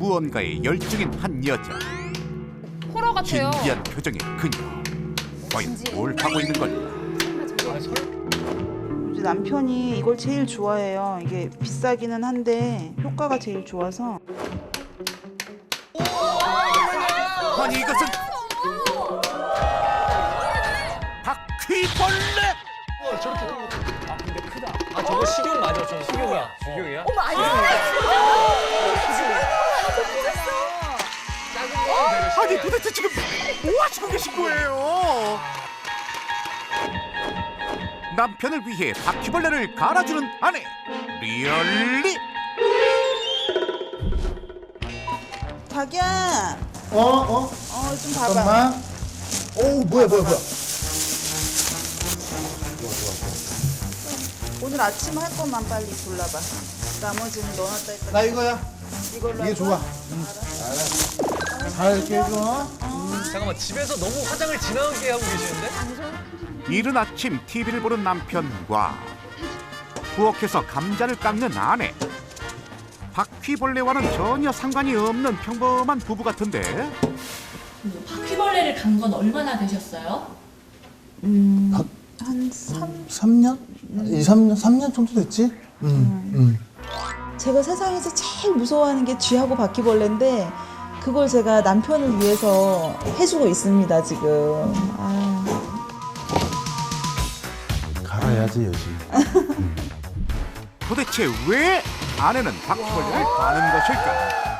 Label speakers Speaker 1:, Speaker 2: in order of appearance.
Speaker 1: 무언가에 열중인 한 여자.
Speaker 2: 호러 같아요.
Speaker 1: 진지한 표정의 그녀. 과연 뭘 하고 있는 걸까?
Speaker 3: 이제 남편이 이걸 제일 좋아해요. 이게 비싸기는 한데 효과가 제일 좋아서.
Speaker 1: 아니 이것은 바퀴벌레!
Speaker 4: 아 저거 식용 맞아. 저 식용이야. 식용이야?
Speaker 2: 어머 아니야.
Speaker 1: 아니 도대체 지금 뭐 하시고 계신 거예요? 남편을 위해 바퀴벌레를 갈아주는 아내. 리얼리?
Speaker 3: 자기야, 좀 봐봐.
Speaker 5: 잠깐만. 오, 뭐야.
Speaker 3: 오늘 아침 할 것만 빨리 골라봐. 나머지는 넣어놨다 했다.
Speaker 5: 나 이거야.
Speaker 3: 이걸로
Speaker 5: 이게
Speaker 3: 할
Speaker 5: 좋아.
Speaker 3: 거야?
Speaker 5: 잘게 해줘.
Speaker 4: 잠깐만 집에서 너무 화장을 진하게 하고 계시는데?
Speaker 1: 이른 아침 TV를 보는 남편과 부엌에서 감자를 깎는 아내. 바퀴벌레와는 전혀 상관이 없는 평범한 부부 같은데
Speaker 6: 바퀴벌레를 간 건 얼마나 되셨어요?
Speaker 3: 한 3.
Speaker 5: 3년? 2, 3년? 3년 정도 됐지?
Speaker 3: 제가 세상에서 제일 무서워하는 게 쥐하고 바퀴벌레인데 그걸 제가 남편을 위해서 해주고 있습니다, 지금.
Speaker 5: 갈아야지, 여지.
Speaker 1: 도대체 왜 아내는 바퀴벌레를 가는 것일까?